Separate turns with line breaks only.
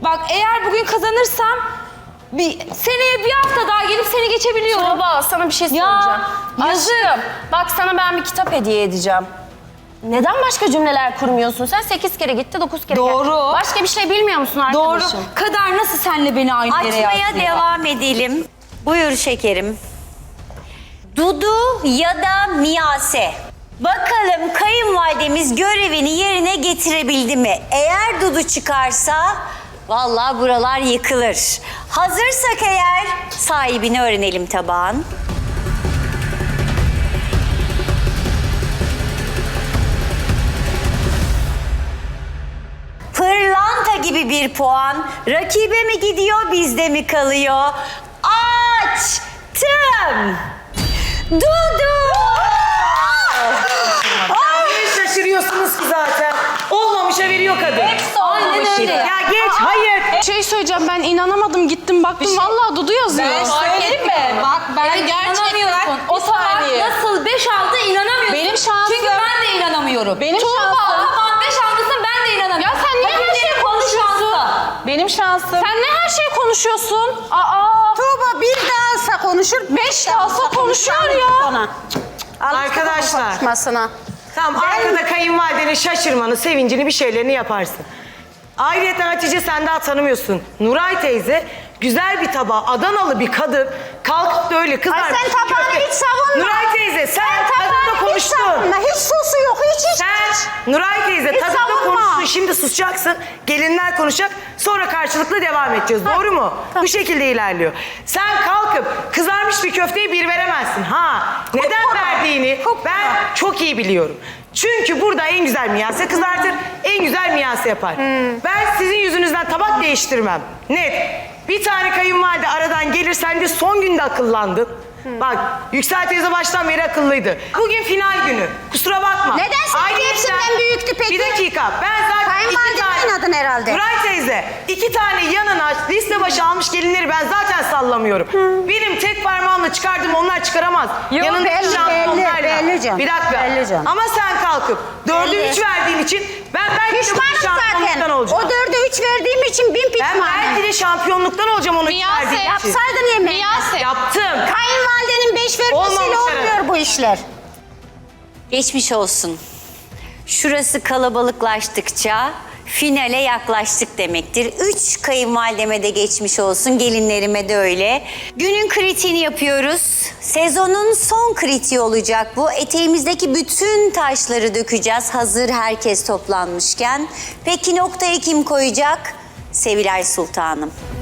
Bak eğer bugün kazanırsam seneye bir hafta daha gelip seni geçebiliyorum.
Tuğba sana bir şey
Ya,
söyleyeceğim. Aşkım bak sana ben bir kitap hediye edeceğim. Neden başka cümleler kurmuyorsun? Sen 8 kere gitti 9 kere
Doğru.
geldi. Başka bir şey bilmiyor musun
Doğru.
arkadaşım?
Kader nasıl senle beni aynı yere
Açmaya
yazdı?
devam edelim. Buyur şekerim. Dudu ya da Miyase. Bakalım kayınvalidemiz görevini yerine getirebildi mi? Eğer Dudu çıkarsa vallahi buralar yıkılır. Hazırsak eğer sahibini öğrenelim tabağın. Pırlanta gibi bir puan. Rakibe mi gidiyor, bizde mi kalıyor? Açtım. Dudu!
Niye şaşırıyorsunuz ki zaten? Olmamışa veriyor kadın.
Aynen öyle.
Ya geç, hayır.
Şey söyleyeceğim ben inanamadım gittim baktım vallahi Dudu yazıyor.
Söyleyeyim mi? Bak ben inanamıyorum. O tabak nasıl 5 aldı inanamıyorum.
Benim şansım.
Çünkü ben de inanamıyorum.
Benim
Tuğba,
şansım.
tamam 5 aldıysan ben de inanamıyorum.
Ya sen niye her şeyi konuşuyorsun?
Benim şansım.
Sen ne her şeyi konuşuyorsun? Aa.
Tuğba bir daha alsa konuşur,
5 de alsa konuşuyor ya.
Arkadaşlar.
Konuşmasına.
Tamam, arkada kayınvalidenin şaşırmanı, sevincini, bir şeylerini yaparsın. Ayrıca Hatice sen daha tanımıyorsun. Nuray teyze güzel bir tabağı, Adanalı bir kadın kalkıp da öyle kızar.
Ay sen tabağını hiç savunma.
Nuray teyze sen
Tabağını
tadında
hiç
konuştun.
savunma, hiç sosu yok, hiç.
Sen Nuray teyze
Hiç
tadında
savunma.
konuştun, şimdi susacaksın. Gelinler konuşacak, sonra karşılıklı devam edeceğiz. Doğru mu? Bu şekilde ilerliyor. Sen kalkıp kızarmış bir köfteye bir veremezsin. Neden verdiğini ben çok iyi biliyorum. Çünkü burada en güzel Miyase kızartır, en güzel Miyase yapar. Ben sizin yüzünüzden tabak değiştirmem. Net. Bir tane kayınvalide aradan gelir, sen de son günde akıllandın. Bak, Yüksel teyze baştan beri akıllıydı. Bugün final günü. Kusura bakma.
Neden seninki
Ayrıca-
hepsinden büyüktü peki?
Bir dakika. Ben zaten
Kayınvalidemi oynadın herhalde.
Nuray teyze, 2 tane yanına liste başı almış gelinleri ben zaten sallamıyorum. Benim tek parmağımla çıkardım, onlar çıkaramaz.
Yok,
Yanındaki
belli,
şampiyonlarla.
belli canım.
Bir dakika.
Belli canım.
Ama sen kalkıp 4'ü
Belli.
3 verdiğin için ben belki de bu
Pişmanım
şampiyonluktan
zaten.
olacağım.
O 4'e 3 verdiğim için bin
Ben
pişmanım.
belki de şampiyonluktan olacağım onu
Miyase,
verdiğim için.
Yapsaydın yemeği.
Yaptım.
Kayınvalidenin 5 vermesiyle
Olmamış
olmuyor
herhalde.
bu işler.
Geçmiş olsun. Şurası kalabalıklaştıkça finale yaklaştık demektir. 3 kayınvalideme de geçmiş olsun, gelinlerime de öyle. Günün kritiğini yapıyoruz. Sezonun son kritiği olacak bu. Eteğimizdeki bütün taşları dökeceğiz hazır herkes toplanmışken. Peki noktayı kim koyacak? Sevilay Sultanım.